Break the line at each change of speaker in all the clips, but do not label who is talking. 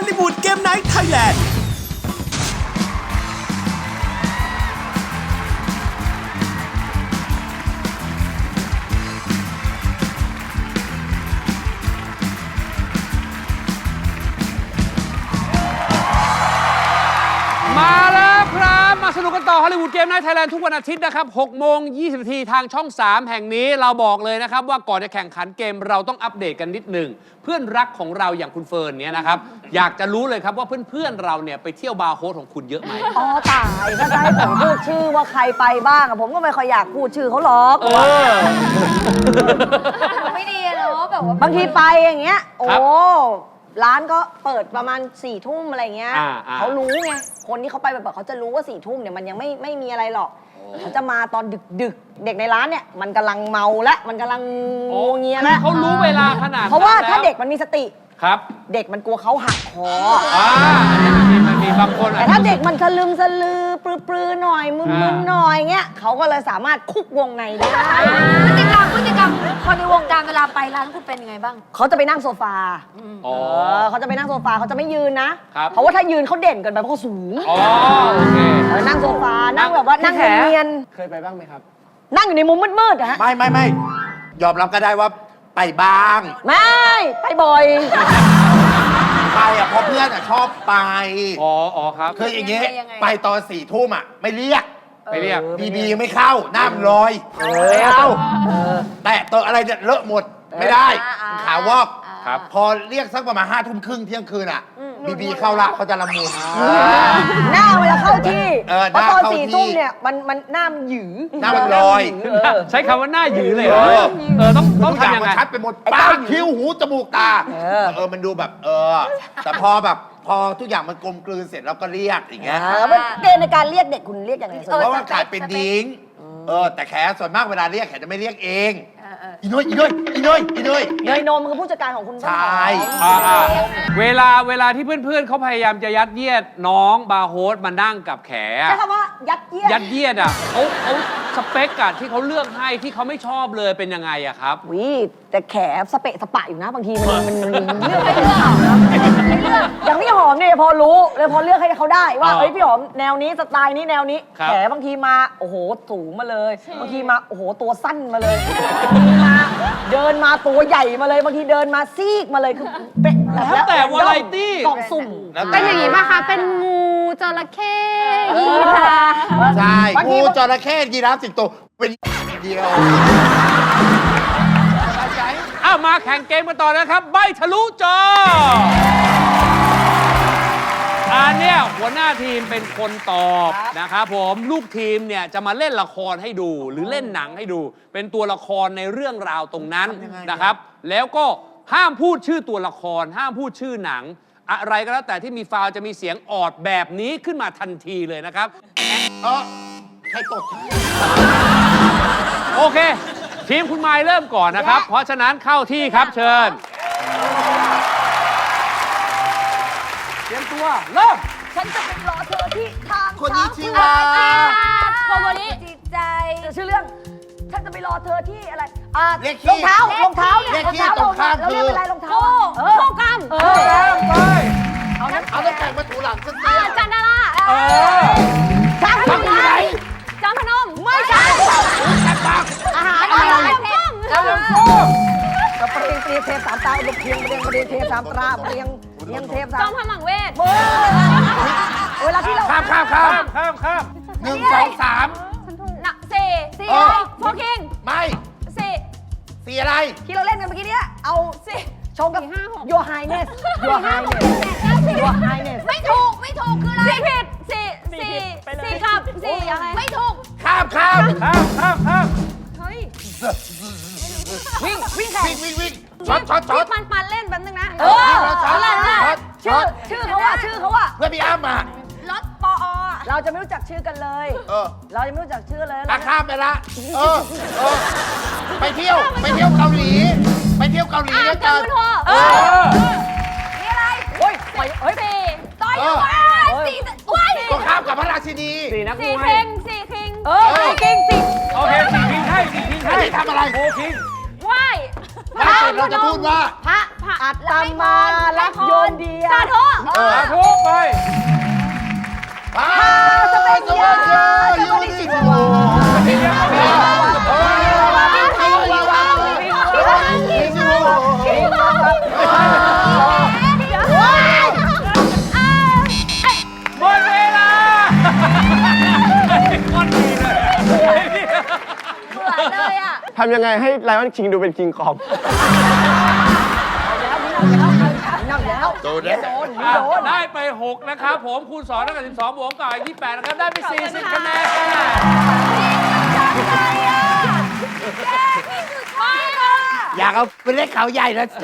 ลลีวูดเกมไนท์ไทยแลนด์
มาแล้วครับมาสนุกกันต่อฮอลลีวูดเกมไนท์ไทยแลนด์ทุกวันอาทิตย์นะครับ6 โมง 20 นาทีทางช่อง 3 แห่งนี้เราบอกเลยนะครับว่าก่อนจะแข่งขันเกมเราต้องอัปเดตกันนิดหนึ่งเพื่อนรักของเราอย่างคุณเฟิร์นเนี่ยนะครับอยากจะรู้เลยครับว่าเพื่อนๆเราเนี่ยไปเที่ยวบาร์โฮสของคุณเยอะไหม
อ๋อตายถ้าจะให้ผมพูดชื่อว่าใครไปบ้างอะผมก็ไม่ค่อยอยากพูดชื่อเขาหรอก
ไม่ดีเนาะแบบว่า
บางทีไปอย่างเงี้ยโอ้
ครับ
ร้านก็เปิดประมาณ4 ทุ่มอะไรเงี้ย
อ่า
เขารู้ไงคนที่เขาไปแบบเขาจะรู้ว่า4 ทุ่มเนี่ยมันยังไม่มีอะไรหรอกเขาจะมาตอนดึกเด็กในร้านเนี่ยมันกำลังเมาและมันกำลังงวเงีย
คือ
แล้ว
เขารู้เวลาขนาดนั้น
เพราะว่าถ้า
แล้ว
เด็กมันมีสติ
ครับ
เด็กมันกลัวเขาหักคอ
อันนี้มันมีบางคน
แต่ถ้าเด็กมันสลึมสลือปลือๆหน่อยมึนๆหน่อยเงี้ยเขาก็เลยสามารถคุกวงในได้
พฤติกรรมคนในวงการเวลาไปร้านคุณเป็นยังไงบ้าง
เขาจะไปนั่งโซฟา
อ๋อ
เขาจะไปนั่งโซฟาเขาจะไม่ยืนนะ เพราะว่าถ้ายืนเขาเด่นเกินไปเพราะเขาสูง
อ๋อโอเค
นั่งโซฟา นั่งแบบว่านั่งเนียน
เคยไปบ้างไหมครับ
ๆนั่งอยู่ในมุมมืดๆอะฮะ
ไม่ยอมรับก็ได้ว่าไปบ้าง
ไม่ไปบ่อย
ไปอ่ะเพราะเพื่อนอ่ะชอบไป
อ๋อครับ
คืออย่างเงี้ย
ยังไง
ไปตอน4 ทุ่มอ่ะไม่เรียก
ไปเรียก
บียังไม่เข้าน้ำลอยไม่เอาแต่ตัวอะไรเนี่ยเลอะหมดไม่ได้ขาวอก
ครับ
พอเรียกสักประมาณ5 ทุ่มครึ่งเที่ยงคืนอ่ะบีเข้าละเขาจะละมุน
หน้าเวลาเข้าที่
ห
เพราะ
น้า
ตอน
เข้า
4
ที่
ทุ่มเนี่ยมันหน้ามันหยือ
หน้ามันลอย
ใช้คำว่าหน้าหยือเลยเหรอต้อง
ทุกอย่าง
ทำยัง
มัน
ไง
ชัดไปหมดปากคิ้วหูจมูกตามันดูแบบแต่พอทุกอย่างมันกลมกลืนเสร็จแล้วก็เรียกอย่างเงี้ย
เกณฑ์ในการเรียกเด็กคุณเรียกยังไง
เพราะว่าขายเป็นดิ้งแต่แขส่วนมากเวลาเรียกแขจะไม่เรียกเองอีน้อย
เนยนมคือผู้จัดการของคุณ
ใช่
เวลาที่เพื่อนๆเขาพยายามจะยัดเยียดน้องบาร์โฮสมานั่งกับแข
ใช้คำว่ายัดเยียด
ยัดเยียดอ่ะเขาสเปคอะที่เขาเลือกให้ที่เขาไม่ชอบเลยเป็นยังไงอะครับ
วิแต่แขสเปะสปะอยู่นะบางทีมันเลือกไม่เลือกอย่างพี่หอมเนี่ยพอรู้เลยพอเลือกให้เขาได้ว่าเอ้ยพี่หอมแนวนี้สไตล์นี้แนวนี้
ครับ
แขบางทีมาโอ้โหสูงมาเลยบางทีมาโอ้โหตัวสั้นมาเลยบางทีมาเดินมาตัวใหญ่มาเลยบางทีเดินมาซีกมาเลยคือเป๊ะ
แล้วแต่วาไรตี้
กล่องสุ่ม
เป็นอย่างนี้ป่ะคะ เป็นงูจระเข้ยีราฟ
ใช่
บางที
งูจระเข้ยีราฟสิงโตเป็นเดียว
อ้าวมาแข่งเกมกันต่อนะครับใบทะลุจออันเนี้ยหัวหน้าทีมเป็นคนตอบนะครับผมลูกทีมเนี่ยจะมาเล่นละครให้ดูหรือเล่นหนังให้ดู เป็นตัวละครในเรื่องราวตรงนั้นนะครับ แล้วก็ห้ามพูดชื่อตัวละคร ห้ามพูดชื่อหนัง อะไรก็แล้วแต่ที่มีฟาวล์จะมีเสียงออดแบบนี้ขึ้นมาทันทีเลยนะครับ
ใครตด
โอเค ทีมคุณไมล์เริ่มก่อนนะครับ เพราะฉะนั้นเข้าที่ครับเชิญเตรียมตัวเริ่ม
ฉันจะไปรอเธอที่ทาง
คนนี้ชื่อว่า
โคโมริ
จิตใจ
ชื่อเรื่องฉันจะไปรอเธอที่อะไร
เรียก
ร
ขี้
องเท้ารองเท้าเนี่ย
เรียกขี้ตรงข้าม
เราเรียก
คือ
เป็นไรรองเท้า
โคกรรม
เอาน้ำแข็งมาถูหลังสักที
จันดารา
ช้างพนม
จอมพนม
ไม่ใช่อาหารอะไร
เรื่อง
กระเปรียงเตรียมเทปสามตาอุดมเพียงเปรียงเทปสามตราเปรียงเทป
จ
สา
อ
ม
มพมังเวท
เวลาที่เรา
ข้าม
ข้าม
1 2 3
นักสี่โฟกิง
ไม่
สี่
สีอะไร
ที่เราเล่นกันเมื่อกี้เนี้ยเอา
สี่
ชงกับ Your Highness Your Highness Your Highness
ไม่ถูกคืออะไรสี่ผิดสี่ครับสี่อะไรไม่ถูก
ข้าม
เฮ้ย
วิ่งแข่ง
วิ่งช็อต
ที่ปันเล่นแป๊บนึงนะ
ชื่อเขาว่า
เพื่อพี่อ้ำอ่ะ
รถปอ
เราจะไม่รู้จักชื่อกันเลย เราจะไม่รู้จักชื่อเลย
ข้ามไปละไปเที่ยวเกาหลีด้วย
จั
กัน
นทัวนี่อะไร
โอ้ย
สี่ต่อยอยู่สี่ว้าย
ก็ข้ามกับพระราชินี
สี่นักม
สี่
วย
คิงสี่คิง
เก่งจริง
โอเคสี่คิงให้สี่คิงให้
ไม่ทำอะไร
โอคิง
ว้าย
ไม่เสร็จเราจะพูดว่า
พระอัตตมาลักโยนเดีย
สาธุ
สาธุไป
สเปนยายูนิชิโว
หมดเวลาคนดีเลย
เบื่อเลยอ่ะ
ทำยังไงให้ไลออนคิงดูเป็นคิงคอง
โดนแล้ว
ได้ไป 6 นะครับผมคูณ2เท่ากับ12บวกกับอีก28นะครับ ได้ไป 40 คะแนน
อยากเอาไปเล่นเขาใหญ่ละสิ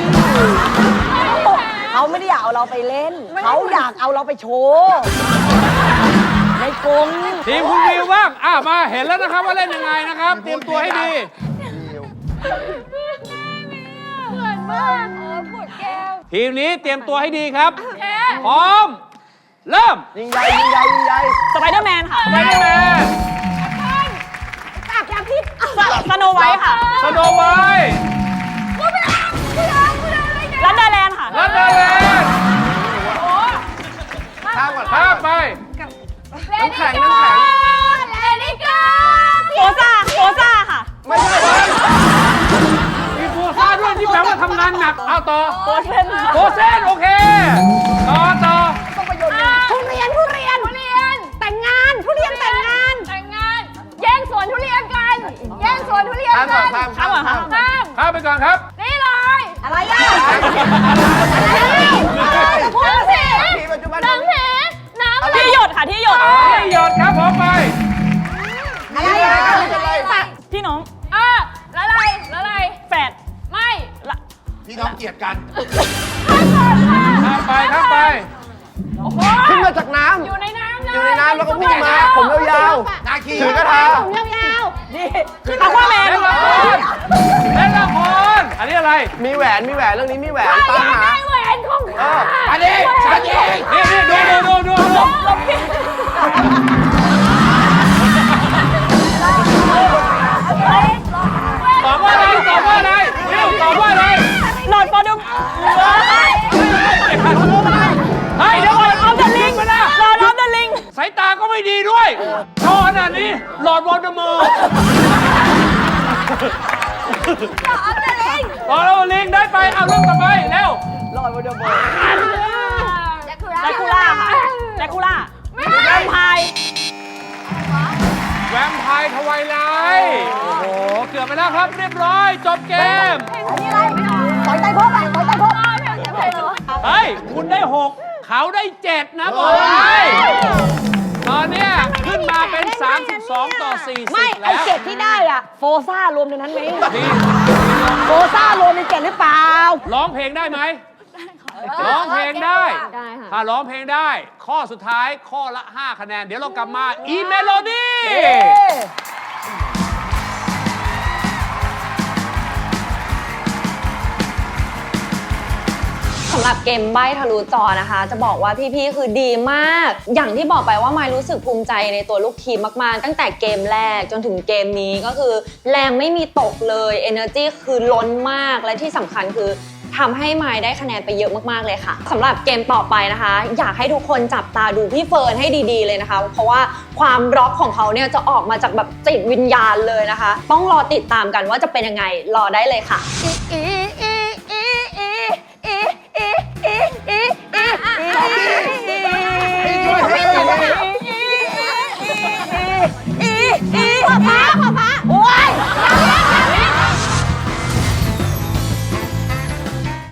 เขาไม่ได้อยากเอาเราไปเล่น เขาอยากเอาเราไปโชว์ในกรง
ทีมคุณวิวบ้างมาเห็นแล้วนะครับว่าเล่นยังไงนะครับ เตรียมตัวให้ดี
เหมือนมากปวดแก้ว
ทีมนี้เตรียมตัวให้ดีครับ พร้อม เริ่ม
ยิงใหญ่ยิงใหญ่ยิงใหญ่
สไปเดอร์แมนค่ะ
ไปได้แมน
จากยาพิษสโนไวท์ค่ะ
สโนไวท์
ลันเดอร์แลนด์ค่ะ
ลันเดอร์แลนด์
ข้ามก่อน
ข้ามไป
น้ำแข็งน้ำแข็ง
เลนิกา
โฟซ่าค่ะ
ไม่ใช่
มีโฟซ่าด้วยที่แปลว่าทำงานหนัก เอาต่อ
โฟเซน
โฟเซนโอเค ต่อ
ทุเรียนแต่งงานทุเรียนแต่งงานแย่งสวนทุเรียนกันแย่งสวนทุเรียน
ข้ามก่
กั
อน
น
ข้ามข้ามข้าม
ข้าม
ข้ามไปก่อนครับ
นี่เลย
อะไรอ่ะ
พูดสิ
ที่ปัจจุบัน
น้ำผีน้ำอะไร
ที่หยดค่ะที่หยด
ที่หยดครับผมไป
อะไรอะไร
พี่น้อง
แล้วอะไร
แฝด
ไม่
พี่น้องเกลียดกัน
ข้ามไปข้ามไป
ขึ้นมาจากน้
อยู่ในน้ำเลย
ำอยู่ในน้ำแล้วก็พุ่งมา ผมยาว
นาคี
ๆถือกระทา
ผมยาว
อะควาแมน
เล่นละครเล่นละครอันนี้อะไร
มีแหวนเรื่องนี้มีแหวน
ๆ
ตามหา
ได้แหวนของข้า
อันนี้ฉันเอง
นี่ดูตอบว่าอะไรเร็วตอบว่าอะไร
หลอดฟอร์ดม
เฮ้ยเดี๋ยวก่อนเอาแต่ลิงมานะ
หลอดออฟเดอะลิง
สายตาก็ไม่ดีด้วยโชว์ขนาดนี้หลอดวอลเดอร์มอร์หลอดวอลลิงได้ไปเอาเรื่องต่อไปเร็ว
หลอดวอร์ดมอร์
แจ็ค
แดคูล่าค่ะแดคูล่าแวมไพร์
แวมไพร์ทวายไลท์โอ้โหเกือบไปแล้วครับเรียบร้อยจบเกม
อันนี้อะไรปล่อยไตพบอ่ะปล่อยไตพบ
เฮ้ย คุณได้ 6 เขาได้ 7 นะบอกเลยตอนเนี้ยขึ้นมาเป็น 32 ต่อ 40
ไม่ไอ
แล้ว
เจ็ดที่ได้อ่ะโฟซ่ารวมในนั้นไหม
นี่
โฟซ่ารวมในเจ็ดหรือเปล่า
ร้องเพลงได้ไหมร้องเพลงได้ ถ้าร้องเพลงได้ ข้อสุดท้ายข้อละ 5 คะแนน เดี๋ยวเรากลับมาอีเมโลดี้
สำหรับเกมใบ้ทะลุจอนะคะ จะบอกว่าพี่ๆคือดีมาก อย่างที่บอกไปว่ามายรู้สึกภูมิใจในตัวลูกทีมมากๆตั้งแต่เกมแรกจนถึงเกมนี้ก็คือแรงไม่มีตกเลย Energy คือล้นมากและที่สำคัญคือทำให้มายได้คะแนนไปเยอะมากๆเลยค่ะสำหรับเกมต่อไปนะคะ อยากให้ทุกคนจับตาดูพี่เฟิร์นให้ดีๆเลยนะคะ เพราะว่าความร็อกของเขาเนี่ยจะออกมาจากแบบจิตวิญญาณเลยนะคะ ต้องรอติดตามกันว่าจะเป็นยังไงรอได้เลยค่ะ
โอ้ย